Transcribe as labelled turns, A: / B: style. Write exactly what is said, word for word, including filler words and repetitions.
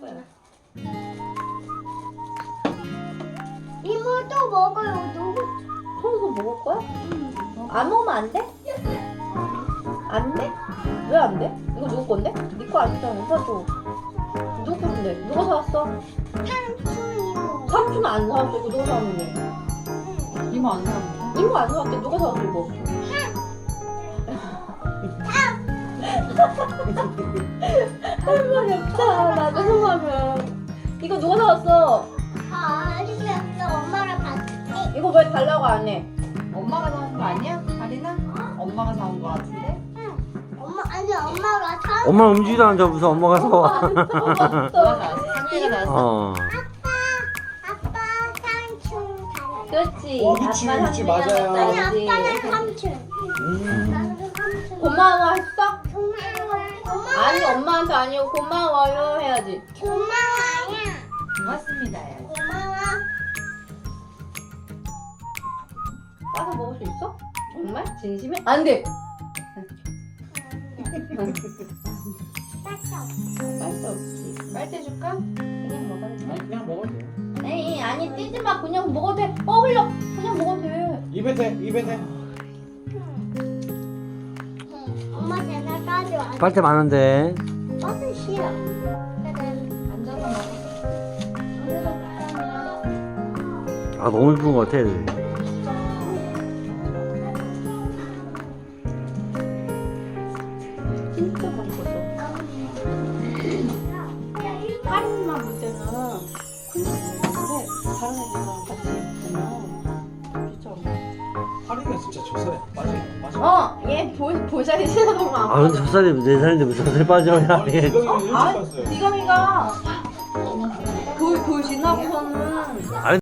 A: 거야.
B: 이모도 먹어요. 너무
A: 손수 먹을 거야?
B: 응.
A: 안 먹으면 안 돼? 안 돼? 왜 안 돼? 이거 누구 건데? 네 거 아니잖아. 오빠 줘. 누구 건데? 누가 사왔어?
B: 삼촌이요.
A: 삼촌 안 사왔어. 이거 누가 사왔는데?
C: 이모 안 사는데?
A: 이거 안 사왔대. 누가 사왔어 이거? 할 말이 없다. 나도 생각하면. 이거 누가 사왔어?
B: 아, 알겠어. 엄마랑 같이.
A: 이거 왜 달라고 안 해?
C: 엄마가 사온 거 아니야? 다리나? 엄마가 사온 거 같은데?
B: 엄마 아니 엄마가 사.
D: 엄마 움직이도 않아. 무슨 엄마가 사와.
C: 누가 사왔어? 상민이가 사왔어?
D: 어.
B: 아빠 삼촌 닮았어.
A: 그렇지.
E: 어, 그치,
A: 아빠
E: 그치,
A: 삼촌이랑
E: 맞아요.
B: 아니
A: 닮았지.
B: 아빠는 삼촌.
E: 음.
B: 나는 삼촌.
A: 고마워했어?
B: 고마워. 고마워.
A: 아니 엄마한테 아니고 고마워요 해야지.
B: 고마워요.
C: 고맙습니다. 해야지.
B: 고마워.
A: 따서 먹을 수 있어? 정말? 진심에? 안 돼. 빨대 없지.
C: 빨대 줄까?
A: 그냥 먹어도 돼.
E: 아니 그냥 먹어도 돼.
A: 에이 아니 뛰지 마. 그냥 먹어도 돼. 어 흘려. 그냥 먹어도 돼.
E: 입에 대, 입에 대.
B: 엄마 제가 가져와.
D: 빨대 많은데.
B: 버스 싫어.
C: 앉아서 먹어.
D: 아 너무 예쁜 것 같아. 애들.
A: 진짜 맛있었어. 할인만 볼 때는 근데 다른 애들이랑 같이 있으면 진짜.
E: 할인은 진짜 젖살에 빠져. 빠져.
A: 어, 얘 보, 보자기 싫어하는
D: 아 근데 젖살이 네 살인데 무슨 젖살 빠져야
E: 아니
D: 해.
E: 이거 일찍
A: 아,
E: 봤어요.
A: 디감이가 돌, 돌 지나고서는